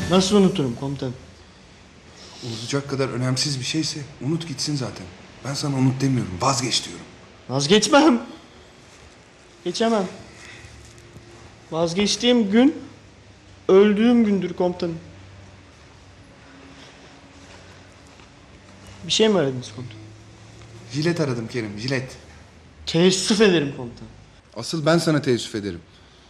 Nasıl unuturum komutanım? Unutacak kadar önemsiz bir şeyse unut gitsin zaten. Ben sana unut demiyorum, vazgeç diyorum. Vazgeçmem. Geçemem. Vazgeçtiğim gün öldüğüm gündür komutanım. Bir şey mi aradınız komutanım? Jilet aradım Kerim, jilet. Teessüf ederim komutanım. Asıl ben sana teessüf ederim.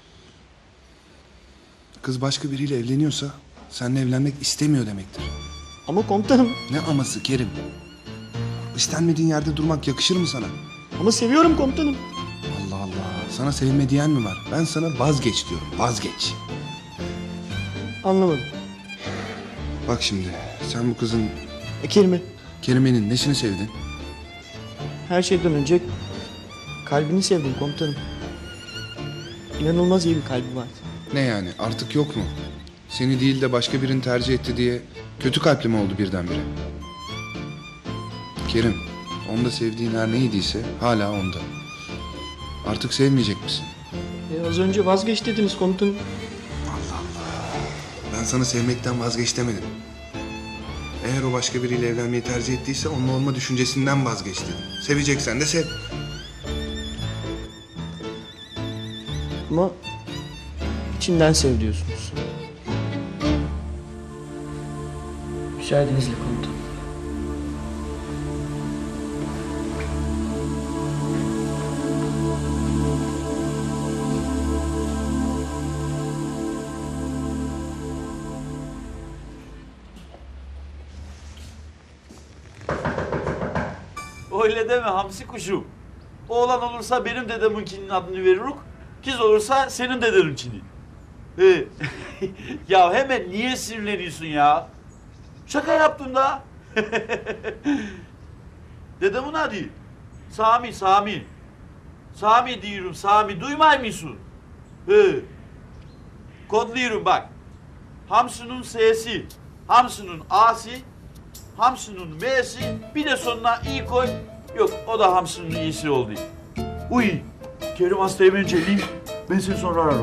Kız başka biriyle evleniyorsa seninle evlenmek istemiyor demektir. Ama komutanım. Ne aması Kerim? İstenmediğin yerde durmak yakışır mı sana? Ama seviyorum komutanım. Allah Allah. Sana sevme diyen mi var? Ben sana vazgeç diyorum. Vazgeç. Anlamadım. Bak şimdi sen bu kızın Kerim'i Kerime'nin nesini sevdin? her şeyden önce kalbini sevdim komutanım. İnanılmaz iyi bir kalbi vardı. Ne yani artık yok mu? Seni değil de başka birini tercih etti diye kötü kalpli mi oldu birdenbire? Kerim, onda sevdiğin her neydiyse hala onda. Artık sevmeyecek misin? Az önce vazgeç dediniz komutanım. Ben sana sevmekten vazgeç demedim. Eğer o başka biriyle evlenmeyi tercih ettiyse onunla olma düşüncesinden vazgeç dedim. Seveceksen de sev. Ama içinden sev diyorsunuz. Müsaadenizle komutanım. Öyle deme hamsi kuşum. Oğlan olursa benim dedeminkinin adını veriruk. Kız olursa senin dedeninkini. He. Ya hemen niye sinirleniyorsun ya? Şaka yaptım da. Dedemin adı. Sami, Sami. Sami diyorum, Sami. Duymay mısın? He. Kodluyorum bak. Hamsının S'si, hamsının A'si, hamsının M'si, bir de sonuna i koy. Yok, o da hamsının i'si oldu. Uy, Kerim hastayı ben çeleyim. Ben seni sonra ararım.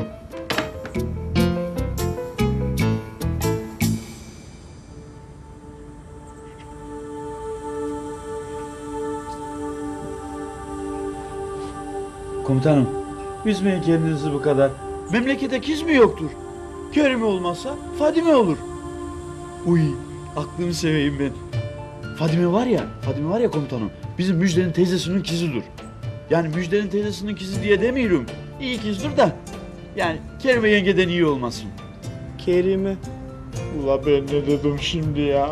Komutanım, üzmeyin kendinizi bu kadar. Memlekete kiz mi yoktur? Kerim olmazsa Fadime olur. Uy, aklını seveyim ben. Fadime var ya komutanım. Bizim Müjde'nin teyzesinin kizidir. Yani Müjde'nin teyzesinin kizi diye demiyorum. İyi kizdir da. Yani Kerime yengeden iyi olmasın. Kerime. Ula ben ne dedim şimdi ya?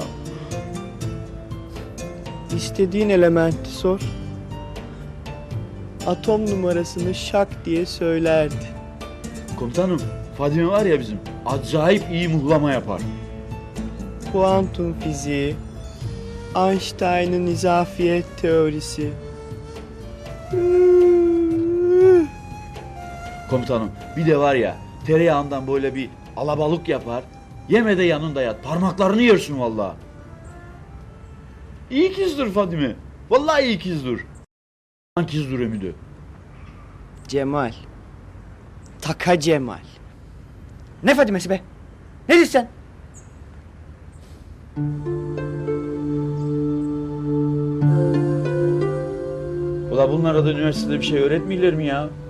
İstediğin elementi sor. Atom numarasını şak diye söylerdi. Komutanım, Fadime var ya bizim. Acayip iyi muhlama yapar. Kuantum fiziği, Einstein'ın izafiyet teorisi. Komutanım, bir de var ya tereyağından böyle bir alabalık yapar. Yeme de yanında yat. Parmaklarını yersin vallahi. İyi kızdır Fadime. Vallahi iyi kızdır. Kızdır Emido. Cemal. Taka Cemal. Ne Fadimesi be? Ne diyorsun sen? Ula bunlara da üniversitede bir şey öğretmiyorlar mi ya?